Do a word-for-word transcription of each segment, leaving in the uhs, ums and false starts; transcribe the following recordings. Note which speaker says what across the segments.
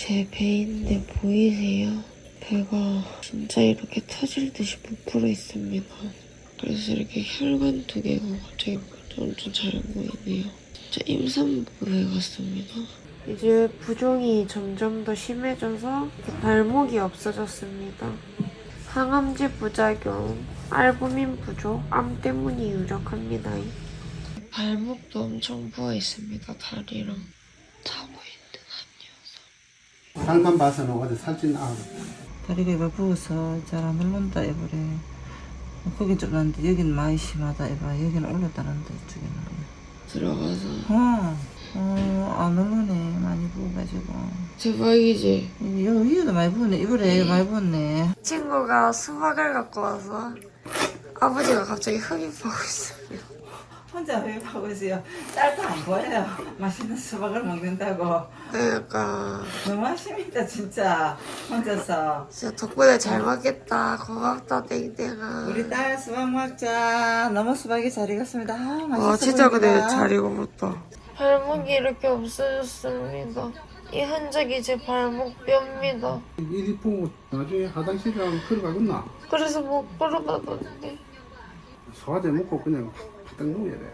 Speaker 1: 제 배인데 보이세요? 배가 진짜 이렇게 터질 듯이 부풀어 있습니다. 그래서 이렇게 혈관 두 개가 갑자기 엄청 잘 보이네요. 진짜 임산부에 같습니다. 이제 부종이 점점 더 심해져서 발목이 없어졌습니다. 항암제 부작용, 알부민 부족, 암 때문이 유력합니다. 발목도 엄청 부어 있습니다. 다리랑. 자고 있는 한 녀석.
Speaker 2: 상관 봐서는 어제 살찐 아
Speaker 3: 다리가 부어서 잘 안 올라온다 이번에. 거긴 좀 난데 여긴 많이 심하다 이봐. 여기는 올랐다는데 이쪽에는.
Speaker 1: 들어가서.
Speaker 3: 어, 어, 안 올라오네. 많이 부어가지고.
Speaker 1: 대박이지?
Speaker 3: 여기 위에도 많이 부었네. 이번에 많이 부었네.
Speaker 1: 친구가 수박을 갖고 와서 아버지가 갑자기 흡입하고 있습니다.
Speaker 3: 혼자 흡입하고 있어요. 짤도 안 보여요. 맛있는 수박을 먹는다고.
Speaker 1: 그러니까
Speaker 3: 너무 하십니다 진짜. 혼자서.
Speaker 1: 진짜 덕분에 잘 먹겠다. 고맙다 땡땡아.
Speaker 3: 우리 딸 수박 먹자. 너무 수박이 잘 익었습니다. 아, 맛있어
Speaker 1: 와 진짜
Speaker 3: 보인다.
Speaker 1: 근데 잘 익어봤다. 발목이 이렇게 없어졌습니다. 이 흔적이 제 발목뼈입니다.
Speaker 2: 이리 보고 나중에 화장실이랑 걸어가겠나?
Speaker 1: 그래서 못 걸어가던데.
Speaker 2: 소화제 먹고 그냥 바닥 누워야 돼.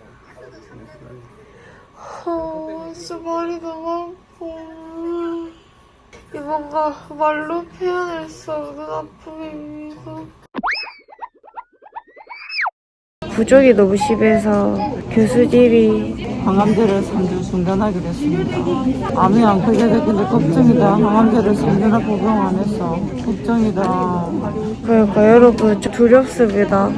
Speaker 1: 어, 진짜 발이 너무 아파. 이 뭔가 말로 표현할 수 없는 아픔입니다. 부족이 너무 심해서 교수님이
Speaker 3: 항암제를 삼 주 중단하기로 했습니다. 암이 안 크게 됐는데 걱정이다. 항암제를 삼 주나 복용 안 해서 걱정이다.
Speaker 1: 그러니까 여러분 좀 두렵습니다.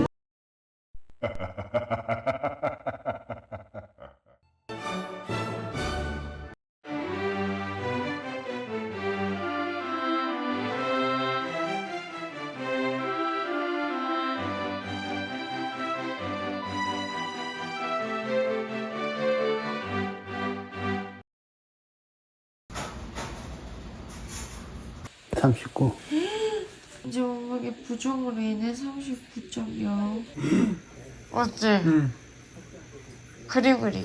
Speaker 2: 삼십구.
Speaker 1: 이제 몸무게 부종으로 인해 삼십구 점 영. 맞지?
Speaker 2: 응.
Speaker 1: 그림 그리기.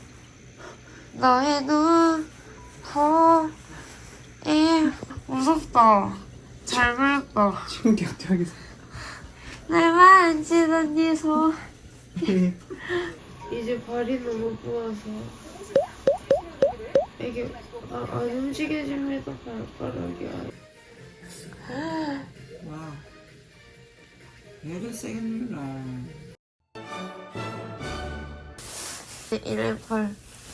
Speaker 1: 너의 눈, 코, 입. 무섭다. 잘 그렸다.
Speaker 2: 충격적이다.
Speaker 1: 날 만지던 네 손. 이제 발이 너무 부어서 이게 아, 안 움직여집니다. 발가락이.
Speaker 3: 와, 얘를 세게 눌러.
Speaker 1: 일팔.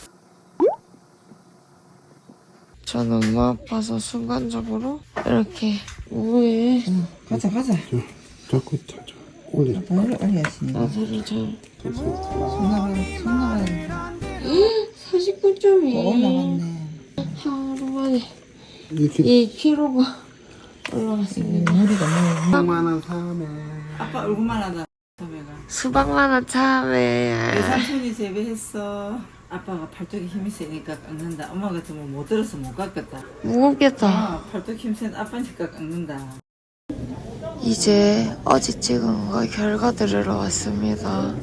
Speaker 1: 전 엄마 아파서 순간적으로 이렇게 우에
Speaker 3: 응, 가자 가자.
Speaker 2: 자꾸 자자 올려.
Speaker 3: 다리를 올려야지.
Speaker 1: 나사를 잘.
Speaker 3: 손 나가, 손 나가.
Speaker 1: 사십구 점 이.
Speaker 3: 또 올라갔네.
Speaker 1: 하루 만에
Speaker 2: 이렇게
Speaker 1: 이 킬로그램가 올라갔습니다.
Speaker 3: 머리가 너무.
Speaker 2: 수많은 삶에
Speaker 3: 아빠 얼굴만 하다. 소매가.
Speaker 1: 수박만한 참에.
Speaker 3: 내 삼촌이 재배했어. 아빠가 팔뚝에 힘이 세니까 깎는다. 엄마 같으면 못 들어서 못 깎겠다.
Speaker 1: 무겁겠다.
Speaker 3: 아, 팔뚝 힘센 아빠니까 깎는다.
Speaker 1: 이제 어제 찍은 거 결과 들으러 왔습니다.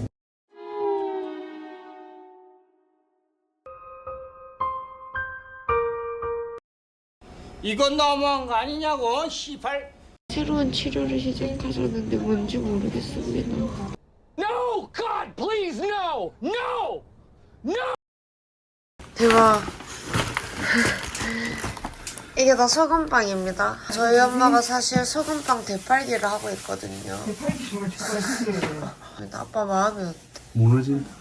Speaker 4: 이건 너무한 거 아니냐고, 시발.
Speaker 1: 새로운 치료를 시작하셨는데 뭔지 모르겠습니다.
Speaker 4: No, God, please, no, no, no.
Speaker 1: 대박. 이게 다 소금빵입니다. 저희 엄마가 사실 소금빵 대팔기를 하고 있거든요.
Speaker 3: 대팔기를 좋아하시네요.
Speaker 1: 근데 아빠 마음이 어때?
Speaker 2: 무너진다.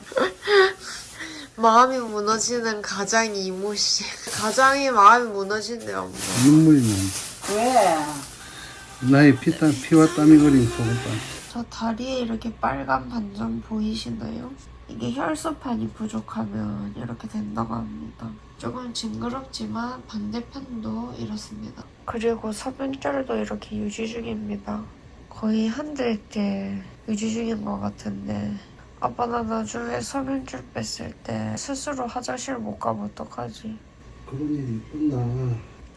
Speaker 1: 마음이 무너지는 가장이 이모씨. 가장이 마음이 무너진대요, 엄마.
Speaker 2: 눈물이
Speaker 3: 왜?
Speaker 2: 나. 나의 피땀 피와 땀이 거린 소금빵.
Speaker 1: 저 다리에 이렇게 빨간 반점 보이시나요? 이게 혈소판이 부족하면 이렇게 된다고 합니다. 조금 징그럽지만 반대편도 이렇습니다. 그리고 소변줄도 이렇게 유지 중입니다. 거의 한 달째 유지 중인 것 같은데 아빠 나 나중에 소변줄 뺐을 때 스스로 화장실 못 가면 어떡하지?
Speaker 2: 그런 일이 있구나.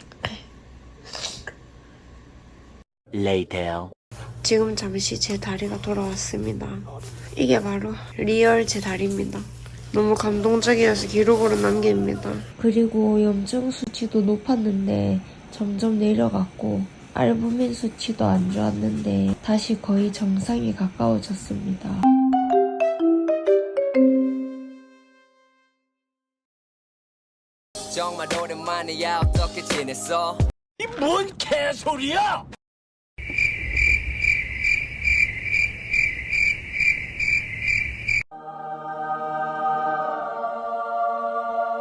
Speaker 4: Later.
Speaker 1: 지금 잠시 제 다리가 돌아왔습니다. 이게 바로 리얼 제 다리입니다. 너무 감동적이어서 기록으로 남깁니다. 그리고 염증 수치도 높았는데 점점 내려갔고 알부민 수치도 안 좋았는데 다시 거의 정상에 가까워졌습니다.
Speaker 5: 정말 오랜만이야. 어떻게 지냈어?
Speaker 4: 이 뭔 개소리야!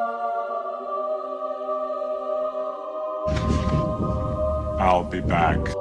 Speaker 6: I'll be back.